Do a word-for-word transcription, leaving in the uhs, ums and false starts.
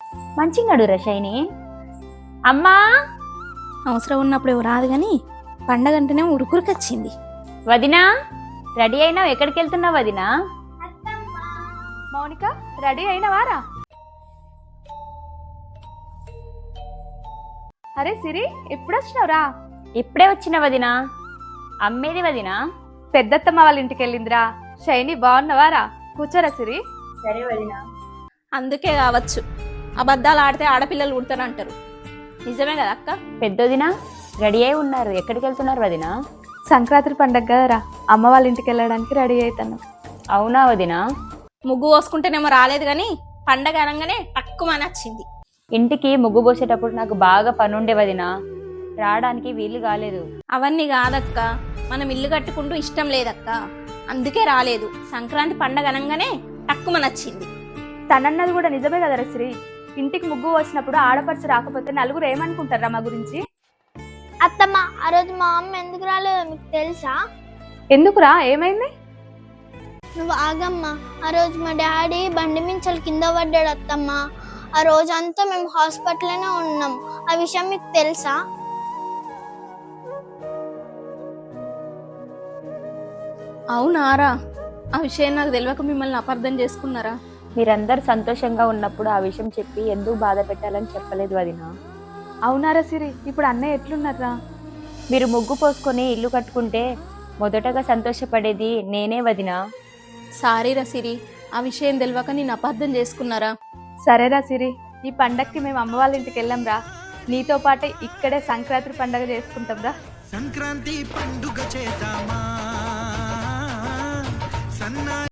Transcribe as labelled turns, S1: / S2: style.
S1: మంచిగాడు రషైని. అమ్మా
S2: అవసరం ఉన్నప్పుడు ఎవరు రాదు కానీ పండగ అంటేనే ఉరుకురికొచ్చింది.
S1: వదినా రెడీ అయినావు? ఎక్కడికి వెళ్తున్నావు వదినా?
S3: మౌనిక రెడీ అయినవారా? అరే సిరి ఎప్పుడు వచ్చినావురా?
S1: ఇప్పుడే వచ్చిన వదినా. అమ్మేది వదినా?
S3: పెద్దత్తమ్మ వాళ్ళ ఇంటికి వెళ్ళిందిరా. షైని బాగున్నవారా? కూర్చోరా సిరి.
S1: సరే వదినా.
S2: అందుకే కావచ్చు అబద్ధాలు ఆడితే ఆడపిల్లలు పుడతారంటారు. నిజమే కదా అక్క?
S1: పెద్దొదినా రెడీ అయి ఉన్నారు. ఎక్కడికి వెళ్తున్నారు వదినా?
S3: సంక్రాంతి పండగ కదరా, అమ్మ వాళ్ళ ఇంటికి వెళ్ళడానికి రెడీ అవుతాను.
S1: అవునా వదినా?
S2: ముగ్గు పోసుకుంటేనేమో రాలేదు కానీ పండగ అనగానే తక్కువని వచ్చింది.
S1: ఇంటికి ముగ్గు పోసేటప్పుడు నాకు బాగా పనుండే వదినా, రావడానికి వీలు కాలేదు.
S2: అవన్నీ కాదక్క, మనం ఇల్లు కట్టుకుంటూ ఇష్టం లేదక్క, అందుకే రాలేదు. సంక్రాంతి పండగ అనగానే తక్కువ నచ్చింది.
S3: తనన్నది కూడా నిజమే కదరా శ్రీ. ఇంటికి ముగ్గు వచ్చినప్పుడు ఆడపడుచు రాకపోతే నలుగురు ఏమనుకుంటారా మా గురించి?
S4: అత్తమ్మ, ఆ రోజు మా అమ్మ ఎందుకు రాలేదో మీకు తెలుసా?
S3: ఎందుకురా, ఏమైంది?
S4: నువ్వు ఆగమ్మ. ఆ రోజు మా డాడీ బండి మించలు కింద పడ్డాడు అత్తమ్మ. ఆ రోజంతా మేము హాస్పిటల్లోనే ఉన్నాం. ఆ విషయం మీకు తెలుసా?
S2: అవునారా? ఆ విషయం నాకు తెలియక మిమ్మల్ని అపార్థం చేసుకున్నారా?
S1: మీరందరు సంతోషంగా ఉన్నప్పుడు ఆ విషయం చెప్పి ఎందుకు బాధ పెట్టాలని చెప్పలేదు వదినా.
S3: అవునారా సిరి, ఇప్పుడు అన్నయ్య ఎట్లున్నారా?
S1: మీరు ముగ్గు పోసుకొని ఇల్లు కట్టుకుంటే మొదటగా సంతోషపడేది నేనే వదినా.
S2: సారీ రా సిరి, ఆ విషయం తెలియక నేను అపార్థం చేసుకున్నారా?
S3: సరేరా సిరి, ఈ పండక్కి మేము అమ్మ వాళ్ళ ఇంటికి వెళ్ళాం రా. నీతో పాటే ఇక్కడే సంక్రాంతి పండగ చేసుకుంటాం రా.
S5: సంక్రాంతి పండుగ చేద్దామా? సన్నా